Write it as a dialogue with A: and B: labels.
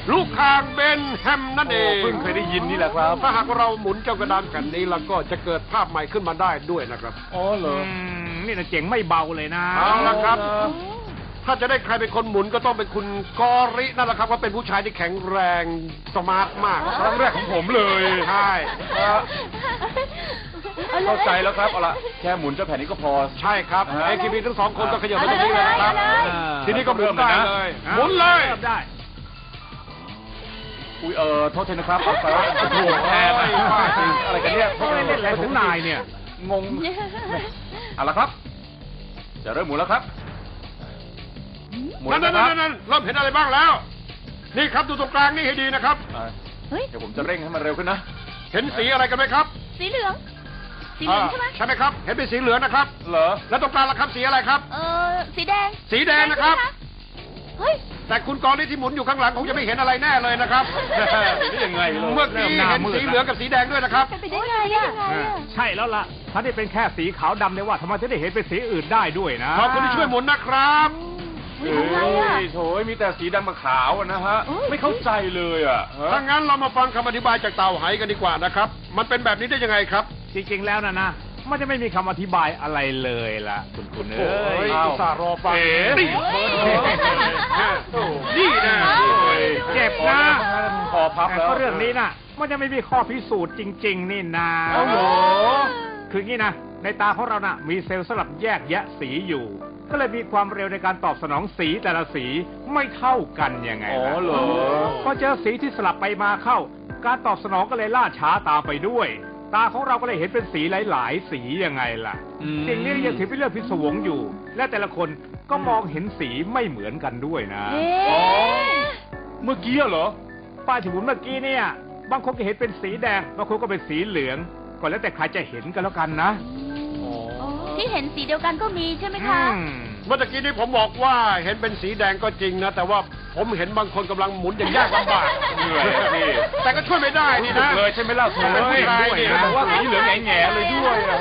A: ลูกคางเบนแฮมนั่นเอง
B: เพิ่งเคยได้ยินนี่แหละครับ
A: ถ้าหากเราหมุนเจ้ากระดานแผ่นนี้แล้วก็จะเกิดภาพใหม่ขึ้นมาได้ด้วยนะครับ
B: อ๋อเหรอ
C: นี่นะเจ๋งไม่เบาเลยนะ
A: เอาละครับ ถ้าจะได้ใครเป็นคนหมุนก็ต้องเป็นคุณกอรินั่นแหละครับว่าเป็นผู้ชายที่แข็งแรงสมาร์ทมาก
B: ครั้งแรกของผมเลย
A: ใช่
B: เข้าใจแล้วครับ เอาละแค่หมุนเจ้าแผ่นนี้ก็พอ
A: ใช่ครับไอคีบีทั้งสองคนก็ขยับไปตรงนี้เลยนะครับ ทีนี้ก็หมุนได้เลย หมุนเลย
C: ริ่มได้
B: อุ้ยโทษทีนะครับเอาไปว่าโอ้โหแพ้ไปอะไรกันเนี่ย
C: เขาเล่นอะไรของนายเนี่ย
B: งงเอาละครับ จะเริ่มหมุนแล้วครับ หมุน
A: นั่น
B: นะ
A: นั่น
B: ครับ
A: นั่นเริ่มเห็นอะไรบ้างแล้ว นี่ครับดูตรงกลางนี่ให้ดีนะครับ
D: เฮ้ย
B: เดี๋ยวผมจะเร่งให้มันเร็วขึ้นนะ
A: เห็นสีอะไรกันไหมครับ
D: สีเหลือง สีเหลืองใช่ไหม
A: ใช่ไหมครับ เห็นเป็นสีเหลืองนะครับ
B: เหรอ
A: แล้วตรงกลางล่ะครับสีอะไรครับ
D: สีแดง
A: สีแดงนะครับ
D: เฮ้ย
A: แต่คุณกรณีที่หมุนอยู่ข้างหลังคงจะไม่เห็นอะไรแน่เลยนะครับ
B: นี่ยังไงเลย
A: เมื่อกี้เห็นสีเหลืองกับสีแดงด้วยนะครับ
D: เป็นไปได้ไงอ่ะ
C: ใช่แล้วล่ะ ถ้าได้เป็นแค่สีขาวดำเนี่ยว่าทำไมจะได้เห็นเป็นสีอื่นได้ด้วยนะ
A: ขอบคุณที่ช่วยหมุนนะครับ
D: เฮ้ยทำไงอ่ะ
B: โถยมีแต่สีดำกับขาวอะนะฮะ
D: โอ้ย
B: ไม่เข้าใจเลยอ่ะฮะ
A: ถ้างั้นเรามาฟังคำอธิบายจากเต่าไหกันดีกว่านะครับ มันเป็นแบบนี้ได้ยังไงครับ
C: จริงๆแล้วนะมันจะไม่มีคำอธิบายอะไรเลยล่ะ คุณเอ้ย
A: อุตส่าห์รอฟัง
C: นี่
A: นี่นะ
C: เจ็บนะ
B: พอพับแล้ว
C: ก็เรื่องนี้น่ะ มันจะไม่มีข้อพิสูจน์จริง ๆ นี่นะ
B: เอาเหรอ
C: คืองี้นะ ในตาของเราน่ะ มีเซลล์สลับแยกแยะสีอยู่ ก็เลยมีความเร็วในการตอบสนองสีแต่ละสีไม่เท่ากันยังไง
B: อ๋อ
C: ล่ะ
B: เหรอ
C: พอเจอสีที่สลับไปมาเข้า การตอบสนองก็เลยล่าช้าตามไปด้วย ตาของเราก็เลยเห็นเป็นสีหลายๆ สียังไงล่ะ สิ่งนี้ยังถือเป็นเรื่องพิศวงอยู่ และแต่ละคนก็มองเห็นสีไม่เหมือนกันด้วยนะ
B: อ๋อ เมื่อกี้เหรอ
C: ป้ายที่หมุนเมื่อกี้เนี่ย บางคนก็เห็นเป็นสีแดง บางคนก็เป็นสีเหลือง ก็แล้วแต่ใครจะเห็นกันแล้วกันนะ
D: ที่เห็นสีเดียวกันก็มีใช่ไหมคะ
A: เมื่อกี้นี้ผมบอกว่าเห็นเป็นสีแดงก็จริงนะ แต่ว่าผมเห็นบางคนกำลังหมุนอย่างยากลำบาก
B: เหนื่อยอะพี่
A: แต่ก็ช่วยไม่ได้นี่นะ
B: เลยใช่ไหมล่ะโถ
A: เป็นผู้ชายนี่
B: บอกว่าสีเหลืองแง่ๆเลยด้วยอะ